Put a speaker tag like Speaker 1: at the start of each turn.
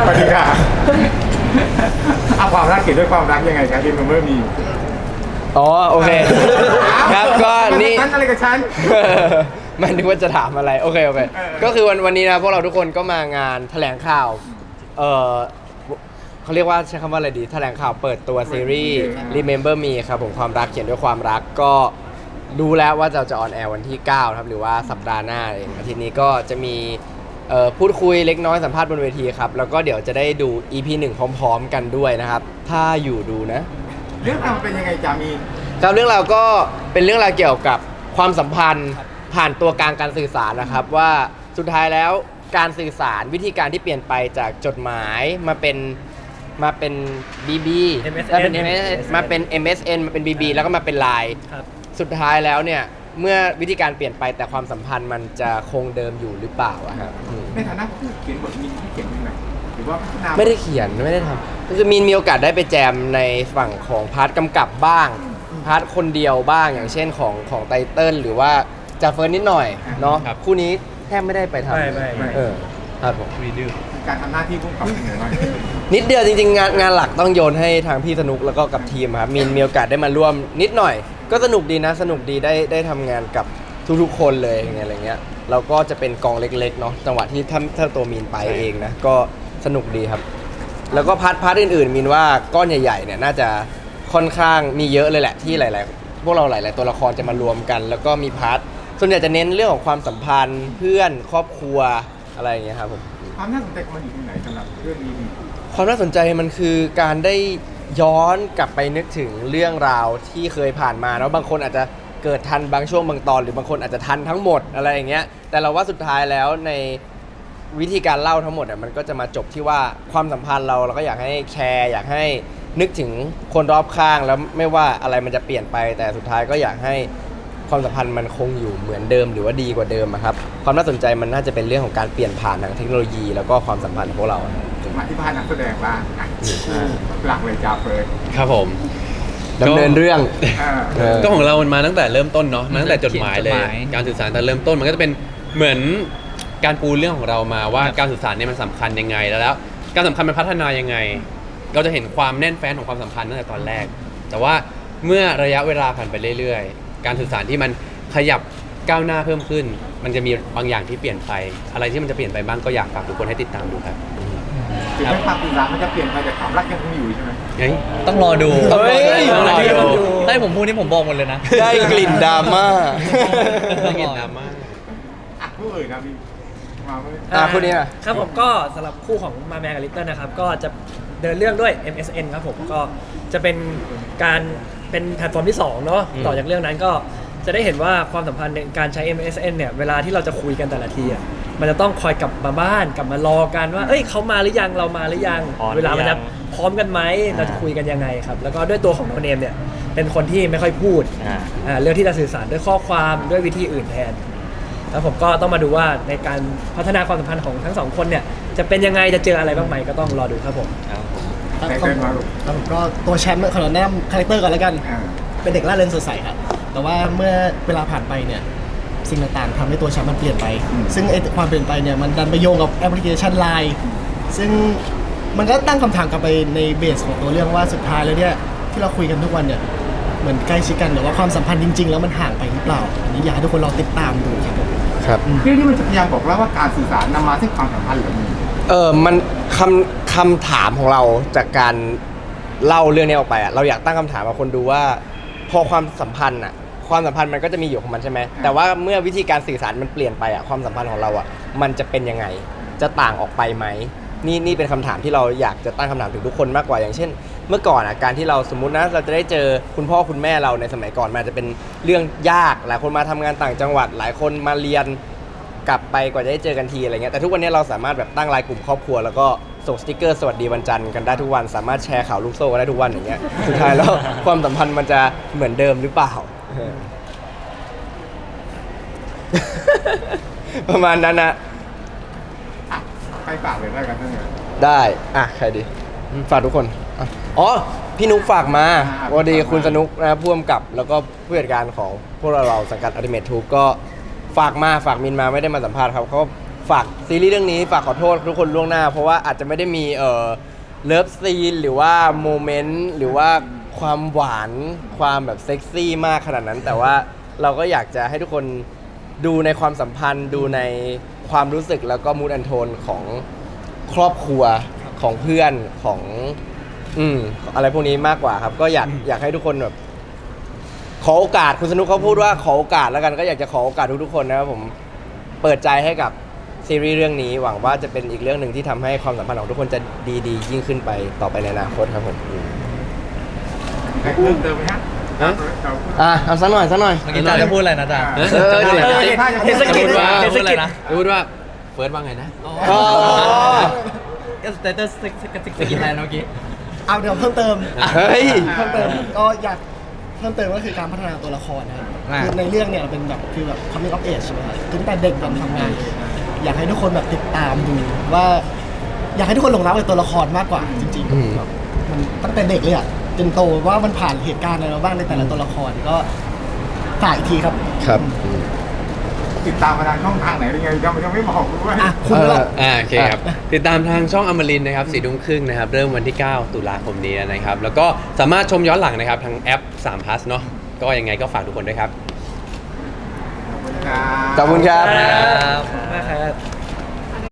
Speaker 1: สวัสดีค่ะเอาความรักเกี่ยวด้วยความรักยังไงครับที่มันเมื่อมี
Speaker 2: อ๋อโอเคครับก็นี่
Speaker 1: ฉันอะไรกับฉัน
Speaker 2: มันนึกว่าจะถามอะไรโอเคก็คือวันนี้นะพวกเราทุกคนก็มางานแถลงข่าวเออเขาเรียกว่าใช้คำว่าอะไรดีแถลงข่าวเปิดตัวซีรีส์ Remember Me ครับผมความรักเขียนด้วยความรักก็รู้แล้วว่าจะออนแอร์วันที่9ครับหรือว่าสัปดาห์หน้าเองอาทิตย์นี้ก็จะมีพูดคุยเล็กน้อยสัมภาษณ์บนเวทีครับแล้วก็เดี๋ยวจะได้ดู EP 1 พร้อมๆกันด้วยนะครับถ้าอยู่ดูนะ
Speaker 1: เรื่องราวเป็นยังไงจามีน
Speaker 2: ครับเรื่องราวก็เป็นเรื่องราวเกี่ยวกับความสัมพันธ์ผ่านตัวกลางการสื่อสารนะครับว่าสุดท้ายแล้วการสื่อสารวิธีการที่เปลี่ยนไปจากจดหมายมาเป็นBB แล้วเป็น MSN มาเป็น MSN มาเป็น BB แล้วก็มาเป็น LINE สุดท้ายแล้วเนี่ยเมื่อวิธีการเปลี่ยนไปแต่ความสัมพันธ์มันจะคงเดิมอยู่หรือเปล่าอะครับ
Speaker 1: ในฐานะผู้เขียนบทมีที่เขียนยังไงหรือว่าพัฒนา
Speaker 2: ไม่ได้เขียนไม่ได้ทำก็คือมีโอกาสได้ไปแจมในฝั่งของพาร์ทกำกับบ้างพาร์ทคนเดียวบ้างอย่างเช่นของไตเติ้ลหรือว่าจาเฟิร์นนิดหน่อยเนาะคู่นี้แทบไม่ได้ไปทำ
Speaker 3: ไม่
Speaker 2: ครับผม
Speaker 1: การทำหน้าที่ผู้กำกับยังไงบ้าง
Speaker 2: นิดเดียวจริงๆงานหลักต้องโยนให้ทางพี่สนุกแล้วก็กับทีมครับมีโอกาสได้มาร่วมนิดหน่อย ก็สนุกดีนะสนุกดีได้ทำงานกับทุกๆคนเลยอะไรเงี้ยเราก็จะเป็นกองเล็กๆเนาะจังหวะที่ถ้าตัวมีนไปเองนะก็สนุกดีครับแล้วก็พาร์ทอื่นๆมีนว่าก้อนใหญ่ๆเนี่ยน่าจะค่อนข้างมีเยอะเลยแหละที่หลายๆพวกเราหลายๆตัวละครจะมารวมกัน แล้วก็มีพาร์ทส่วนใหญ่จะเน้นเรื่องของความสัมพันธ์เพื่อนครอบครัวอะไรอย่างเงี้ยครับผม
Speaker 1: ความน่าสนใจของมันอยู่ที่ไหนสำหรับเรื่องนี้
Speaker 2: ความน่าสนใจมันคือการได้ย้อนกลับไปนึกถึงเรื่องราวที่เคยผ่านมาแล้วบางคนอาจจะเกิดทันบางช่วงบางตอนหรือบางคนอาจจะทันทั้งหมดอะไรอย่างเงี้ยแต่เราว่าสุดท้ายแล้วในวิธีการเล่าทั้งหมดมันก็จะมาจบที่ว่าความสัมพันธ์เราก็อยากให้แชร์อยากให้นึกถึงคนรอบข้างแล้วไม่ว่าอะไรมันจะเปลี่ยนไปแต่สุดท้ายก็อยากให้ความสัมพันธ์มันคงอยู่เหมือนเดิมหรือว่าดีกว่าเดิมครับความน่าสนใจมันน่าจะเป็นเรื่องของการเปลี่ยนผ่านทางเทคโนโลยีแล้วก็ความสัมพันธ์ของพวกเรา
Speaker 1: มาที่พานักแสดงบ้างหลักเลยจาเฟิร์น
Speaker 4: ครับผม
Speaker 2: ดำเนินเรื่อง
Speaker 4: ก็ของเรามันมาตั้งแต่เริ่มต้นเนาะมาตั้งแต่จดหมายเลย การสื่อสารแต่เริ่มต้นมันก็จะเป็นเหมือนการปูเรื่องของเรามาว่าการสื่อสารเนี่ยมันสำคัญยังไงแล้วการสำคัญมันพัฒนายังไง เราจะเห็นความแน่นแฟ้นของความสัมพันธ์ตั้งแต่ตอนแรก แต่ว่าเมื่อระยะเวลาผ่านไปเรื่อยๆการสื่อสารที่มันขยับก้าวหน้าเพิ่มขึ้น มันจะมีบางอย่างที่เปลี่ยนไปอะไรที่มันจะเปลี่ยนไปบ้างก็อยากฝากทุกคนให้ติดตามดูครับ
Speaker 1: ถึงแม้ความสื่อสารมันจะเปลี่ยนไปแต่ความรักยังคงอยู่ใช่ไหม
Speaker 3: ต้องรอดู
Speaker 2: ต้องรอดู
Speaker 3: ให้ผมพูดนี่ผมบอกหมดเลยนะ
Speaker 2: ได้กลิ่นดราม่า
Speaker 4: ได้กลิ่นดราม่า
Speaker 1: ผู้อื่นนะมีมาเมื่อ
Speaker 2: คู่นี้อะ
Speaker 3: ครับผมก็สำหรับคู่ของมาแมกับลิตเติ้ลนะครับก็จะเดินเรื่องด้วย MSN ครับผมก็จะเป็นการเป็นแพลตฟอร์มที่2เนาะต่อจากเรื่องนั้นก็จะได้เห็นว่าความสัมพันธ์ในการใช้ MSN เนี่ยเวลาที่เราจะคุยกันแต่ละทีอ่ะมันจะต้องคอยกลับมาบ้านกลับมารอกันว่าเอ้ยเขามาหรือยังเรามาหรือยังเวลามันจะพร้อมกันไหมเราจะคุยกันยังไงครับแล้วก็ด้วยตัวของโนเนมเนี่ยเป็นคนที่ไม่ค่อยพูดเรื่องที่จะสื่อสารด้วยข้อความด้วยวิธีอื่นแทนแล้วผมก็ต้องมาดูว่าในการพัฒนาความสัมพันธ์ของทั้งสองคนเนี่ยจะเป็นยังไงจะเจออะไรบ้างไหมก็ต้องรอดูครับผม
Speaker 1: ใครเป็นมาลูก
Speaker 5: แล้วผมก็ตัวแชมป์ขอแนะนำคาแรคเตอร์ก่อนแล้วกัน เป็นเด็กร่าเริงสดใสครับแต่ว่าเมื่อเวลาผ่านไปเนี่ยสิ่งต่างๆทำให้ตัวแชมป์มันเปลี่ยนไป ซึ่งไอ้ความเปลี่ยนไปเนี่ยมันดันไปโยงกับแอปพลิเคชัน LINE ซึ่งมันก็ตั้งคำถามกลับไปในเบสของตัวเรื่องว่าสุดท้ายแล้วเนี่ยที่เราคุยกันทุกวันเนี่ยเหมือนใกล้ชิดกันหรือว่าความสัมพันธ์จริงๆแล้วมันห่างไปหรือเปล่าอันนี้อยากให้ทุกคนลองติดตามดูครับผม
Speaker 2: ครับ
Speaker 1: เรื่องนี้มันจะพยายามบอกแล้วว่าการสื่อสารนำมาซึ่งความสัมพันธ์หรือมี
Speaker 2: มันคำถามของเราจากการเล่าเรื่องนี้ออกไปเราอยากตั้งคำถามกับคนดูว่าพอความสัมพันธ์มันก็จะมีอยู่ของมันใช่ไหมแต่ว่าเมื่อวิธีการสื่อสารมันเปลี่ยนไปความสัมพันธ์ของเรามันจะเป็นยังไงจะต่างออกไปไหมนี่เป็นคำถามที่เราอยากจะตั้งคำถามถึงทุกคนมากกว่าอย่างเช่น เมื่อก่อนการที่เราสมมุตินะเราจะได้เจอคุณพ่อคุณแม่เราในสมัยก่อนมันจะเป็นเรื่องยากหลายคนมาทำงานต่างจังหวัดหลายคนมาเรียนกลับไปกว่าจะได้เจอกันทีอะไรเงี้ยแต่ทุกวันนี้เราสามารถแบบตั้งไลน์กลุ่มครอบครัวแล้วก็ส่งสติกเกอร์สวัสดีวันจันทร์กันได้ทุกวันสามารถแชร์ข่าวลูกโซ่กันได้ทุกวันอย่างเงี้ยสุดท้ายแล้ว ความสัมพันธ์มันจะเหมือนเดิมหรือเปล่า ประมาณนั้นนะ
Speaker 1: ใครฝากเลยได้กันทั้งนั้น
Speaker 2: ได้ใครดีฝากทุกคนอ๋อพี่นุ๊กฝากมาวันดีคุณสนุกนะผู้กำกับแล้วก็ผู้จัดการของพวกเราสังกัด Ultimate Troop ก็ฝากมินมาไม่ได้มาสัมภาษณ์ครับเขาฝากซีรีส์เรื่องนี้ฝากขอโทษทุกคนล่วงหน้า เพราะว่าอาจจะไม่ได้มีเลิฟซีนหรือว่าโมเมนต์หรือว่าความหวานความแบบเซ็กซี่มากขนาดนั้น แต่ว่าเราก็อยากจะให้ทุกคนดูในความสัมพันธ์ดูในความรู้สึกแล้วก็มูดแอนโทนของครอบครัวของเพื่อนของอะไรพวกนี้มากกว่าครับก็อยากให้ทุกคนแบบขอโอกาสคุณสนุกเขาพูดว่าขอโอกาสแล้วกันก็อยากจะขอโอกาสทุกๆคนนะครับผมเปิดใจให้กับซีรีส์เรื่องนี้หวังว่าจะเป็นอีกเรื่องหนึ่งที่ทำให้ความสัมพันธ์ของทุกคนจะดียิ่งขึ้นไปต่อไปในอนาคตครับผม
Speaker 1: ให้เพิ่มเติมไหมฮะ
Speaker 2: เอาสักหน่อย
Speaker 6: เมื่อกี้จ๋าจะพูดอะไรนะจ๊ะ
Speaker 4: จะพูดว่า
Speaker 3: เทศกิจ
Speaker 4: พูดว่าเฟิร์สว่าไงนะ
Speaker 6: ก็สเตตัสสกินอะไรเมื่อกี้
Speaker 5: เอาเดี๋ยวเพิ่มเติม
Speaker 2: เฮ้ย
Speaker 5: เพิ่มเติมก็อยากเพิ่มเติมก็คือการพัฒนาตัวละครนะครับคือในเรื่องเนี่ยเป็นแบบคือแบบ coming of age ใช่ไหมครับตั้งแต่เด็กจนทำงานอยากให้ทุกคนแบบติดตามดูว่า อยากให้ทุกคนหลงรักในตัวละครมากกว่าจริง
Speaker 2: อืม
Speaker 5: ๆแบบมันตั้งแต่เด็กเลยอ่ะจนโตว่ามันผ่านเหตุการณ์อะไรมาบ้างในแต่ละตัวละครก็ฝากอีกทีครับ
Speaker 2: ครับ
Speaker 1: ติดตามมาทางช่องทางไหนยังไงยังไม่บอกด้วย
Speaker 5: อ่ะคุณละ
Speaker 4: โอเคครับ ติดตามทางช่องอมรินทร์นะครับ4 ทุ่มครึ่งนะครับ เริ่มวันที่ 9 ตุลาคมนี้นะครับ แล้วก็สามารถชมย้อนหลังนะครับ ทางแอป3 plus เนาะก็ยังไงก็ฝากทุกคนด้วยครับ
Speaker 2: ขอบคุณครับ
Speaker 3: มากครับ